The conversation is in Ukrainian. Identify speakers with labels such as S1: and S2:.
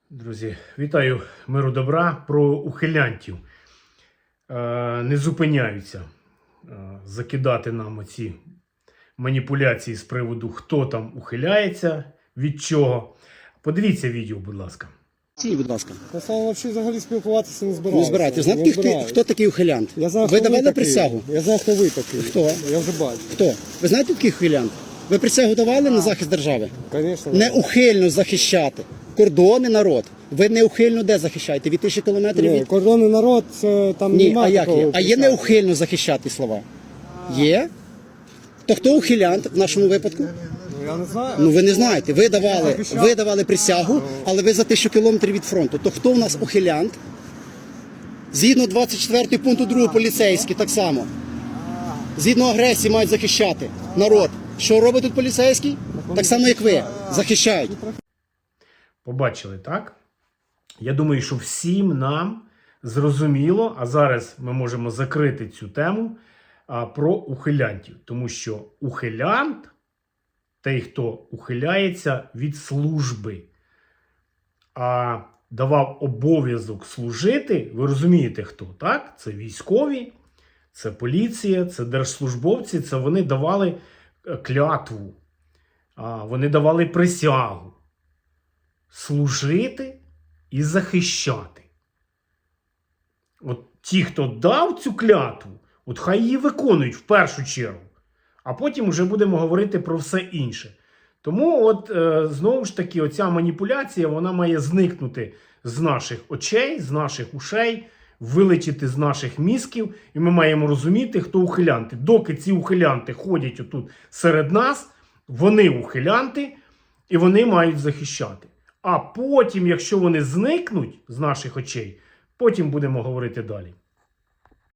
S1: Друзі, вітаю, миру добра. Про ухилянтів. Не зупиняються закидати нам оці маніпуляції з приводу, хто там ухиляється, від чого. Подивіться відео, будь ласка.
S2: Будь ласка.
S3: Я з вами взагалі спілкуватися не збираюся.
S2: Не збирайте. Знаєте, хто такий ухилянт?
S3: Я знаю,
S2: ви давали присягу?
S3: Я знаю, хто ви такий.
S2: Хто?
S3: Я вже бачу.
S2: Хто? Ви знаєте такий ухилянт? Ви присягу давали на захист держави?
S3: Звісно.
S2: Неухильно захищати кордони, народ. Ви неухильно де захищаєте? Від 1000 кілометрів
S3: Ні,
S2: від...
S3: кордонний народ, це там
S2: Ні,
S3: немає
S2: а як
S3: такого
S2: є? А є
S3: присяги.
S2: неухильно захищати слова? Є? То хто ухилянт в нашому випадку?
S3: Ну, я не знаю.
S2: Ну ви не знаєте. Ви давали присягу, але ви за 1000 кілометрів від фронту. То хто в нас ухилянт? Згідно 24 пункту 2 поліцейські так само. Згідно агресії мають захищати народ. Що робить тут поліцейський? Так само, як ви. Захищають.
S1: Побачили, так? Я думаю, що всім нам зрозуміло, а зараз ми можемо закрити цю тему про ухилянтів. Тому що ухилянт – той, хто ухиляється від служби, а давав обов'язок служити, ви розумієте хто, так? Це військові, це поліція, це держслужбовці, це вони давали клятву, вони давали присягу. Служити і захищати. От ті, хто дав цю клятву, от хай її виконують в першу чергу. А потім вже будемо говорити про все інше. Тому от знову ж таки оця маніпуляція, вона має зникнути з наших очей, з наших ушей, вилетіти з наших мізків. І ми маємо розуміти, хто ухилянти. Доки ці ухилянти ходять отут серед нас, вони ухилянти і вони мають захищати. А потім, якщо вони зникнуть з наших очей, потім будемо говорити далі.